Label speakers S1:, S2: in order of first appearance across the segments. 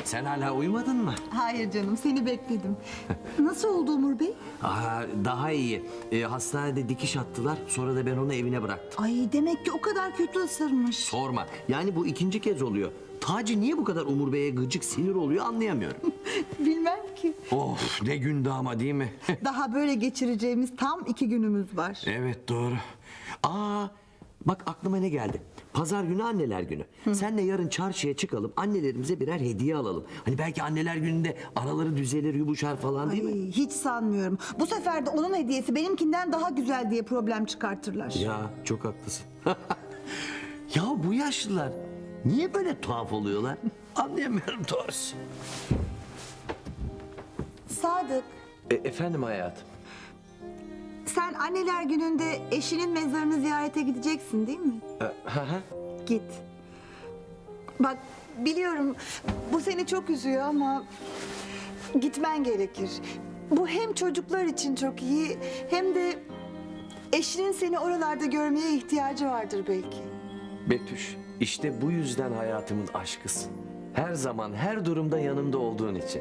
S1: Sen hala uyumadın mı?
S2: Hayır canım, seni bekledim. Nasıl oldu Umur Bey?
S1: Daha iyi. Hastanede dikiş attılar. Sonra da ben onu evine bıraktım.
S2: Ay demek ki o kadar kötü ısırmış.
S1: Sorma. Yani bu ikinci kez oluyor. Taci niye bu kadar Umur Bey'e gıcık, sinir oluyor anlayamıyorum.
S2: Bilmem ki.
S1: Of, ne gündü ama değil mi?
S2: Daha böyle geçireceğimiz tam 2 günümüz var.
S1: Evet, doğru. Bak aklıma ne geldi. Pazar günü anneler günü. Senle yarın çarşıya çıkalım, annelerimize birer hediye alalım. Hani belki anneler gününde araları düzelir, yumuşar falan değil mi?
S2: Ay, hiç sanmıyorum. Bu sefer de onun hediyesi benimkinden daha güzel diye problem çıkartırlar.
S1: Ya çok haklısın. Ya bu yaşlılar niye böyle tuhaf oluyorlar? Anlayamıyorum doğrusu.
S2: Sadık,
S1: Efendim hayatım.
S2: sen anneler gününde eşinin mezarını ziyarete gideceksin değil mi? Git. Bak biliyorum bu seni çok üzüyor ama gitmen gerekir. Bu hem çocuklar için çok iyi hem de eşinin seni oralarda görmeye ihtiyacı vardır belki.
S1: Betüş, işte bu yüzden hayatımın aşkısın. Her zaman, her durumda yanımda olduğun için.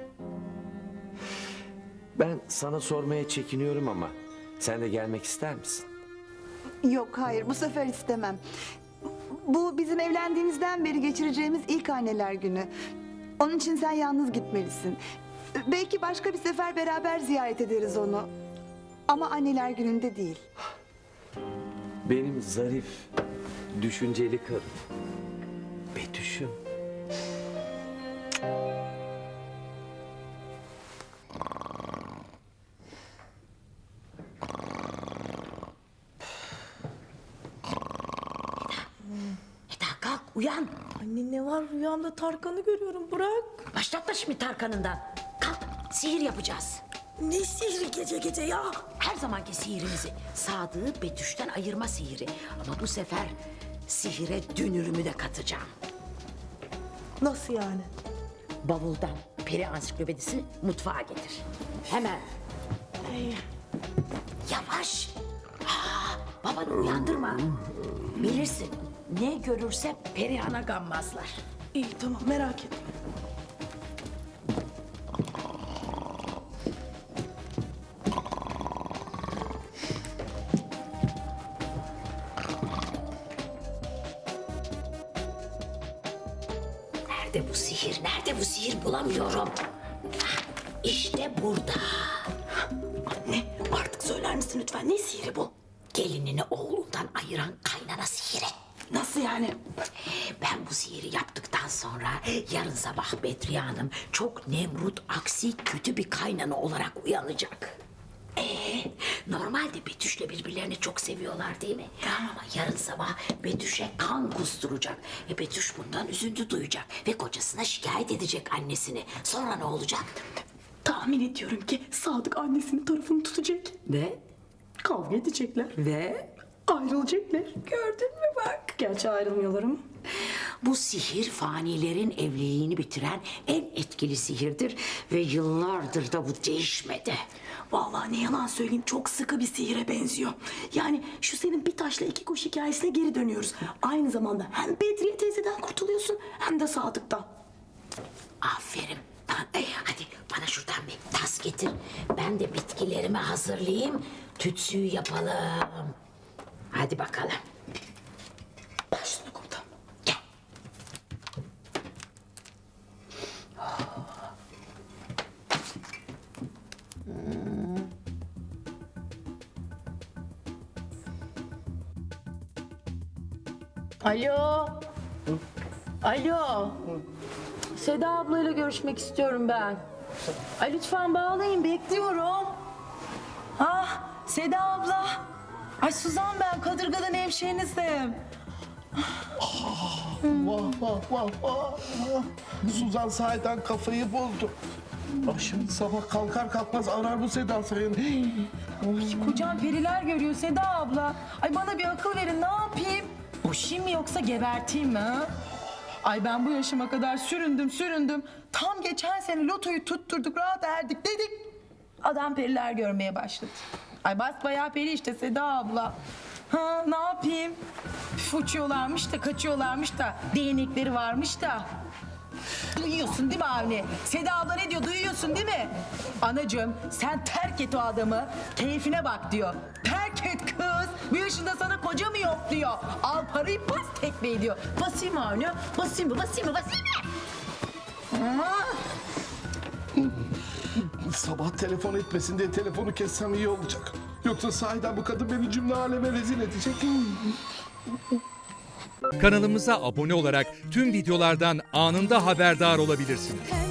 S1: Ben sana sormaya çekiniyorum ama sen de gelmek ister misin?
S2: Yok hayır bu sefer istemem. Bu bizim evlendiğimizden beri geçireceğimiz ilk anneler günü. Onun için sen yalnız gitmelisin. Belki başka bir sefer beraber ziyaret ederiz onu. Ama anneler gününde değil.
S1: Benim zarif, düşünceli karım. Betüş'üm.
S3: Eda kalk uyan.
S4: Anne ne var rüyamda Tarkan'ı görüyorum bırak.
S3: Başlatma şimdi Tarkan'ından. Kalk sihir yapacağız.
S4: Ne sihri gece gece ya?
S3: Her zamanki sihirimizi. Sadık'ı Betüş'ten ayırma sihiri. Ama bu sefer sihire dünürümü de katacağım.
S4: Nasıl yani?
S3: Bavuldan peri ansiklopedisini mutfağa getir. Hemen. Yavaş. Babanı uyandırma. Bilirsin ne görürse Perihan'a gammazlar.
S4: İyi tamam merak etme.
S3: Nerede bu sihir? Nerede bu sihir? Bulamıyorum. İşte burada.
S4: Anne artık söyler misin lütfen ne sihri bu?
S3: Gelinini oğlundan ayıran kaynana sihiri.
S4: Nasıl yani?
S3: Ben bu sihiri yaptıktan sonra yarın sabah Bedriye Hanım çok Nemrut, aksi, kötü bir kaynana olarak uyanacak. Normalde Betüş'le birbirlerini çok seviyorlar değil mi? Ama yarın sabah Betüş'e kan kusturacak. Betüş bundan üzüntü duyacak ve kocasına şikayet edecek annesini. Sonra ne olacak?
S4: Tahmin ediyorum ki Sadık annesinin tarafını tutacak.
S3: Ve?
S4: Kavga edecekler.
S3: Ve?
S4: Ayrılacaklar. Gördün mü bak. Gerçi ayrılmıyorlar ama.
S3: Bu sihir fanilerin evliliğini bitiren en etkili sihirdir ve yıllardır da bu değişmedi.
S4: Vallahi ne yalan söyleyeyim çok sıkı bir sihire benziyor. Yani şu senin bir taşla iki kuş hikayesine geri dönüyoruz. Aynı zamanda hem Bedriye teyzeden kurtuluyorsun hem de Sadık'tan.
S3: Aferin. Hadi bana şuradan bir tas getir. Ben de bitkilerimi hazırlayayım. Tütsüyü yapalım. Hadi bakalım.
S4: Başını komutan.
S3: Gel.
S5: Alo. Alo. Seda ablayla görüşmek istiyorum ben. Ay lütfen bağlayın bekliyorum. Ah Seda abla. Ay Suzan ben Kadırga'dan hemşehrinizim.
S6: Vah vah vah vah. Suzan sahiden kafayı buldu. Şimdi sabah kalkar kalkmaz arar bu Seda Sayın.
S5: Kocam periler görüyor Seda abla. Ay bana bir akıl verin ne yapayım? Boşayım mı yoksa geberteyim mi ha? Ay ben bu yaşıma kadar süründüm. Tam geçen sene lotoyu tutturduk rahat erdik dedik. Adam periler görmeye başladı. Ay basbayağı peri işte Seda abla. Ha ne yapayım? Üf, uçuyorlarmış da kaçıyorlarmış da değnekleri varmış da. Duyuyorsun değil mi Avni? Seda abla ne diyor duyuyorsun değil mi? Anacığım sen terk et o adamı. Keyfine bak diyor. Terk et kız. Bu yaşında sana koca mı yok diyor. Al parayı bas tekmeyi diyor. Basayım mı Avni? Basayım mı? Basayım mı? Basayım mı?
S6: Sabah telefon etmesin diye telefonu kessem iyi olacak. Yoksa sahiden bu kadın beni cümle aleme rezil edecek.
S7: Kanalımıza abone olarak tüm videolardan anında haberdar olabilirsiniz.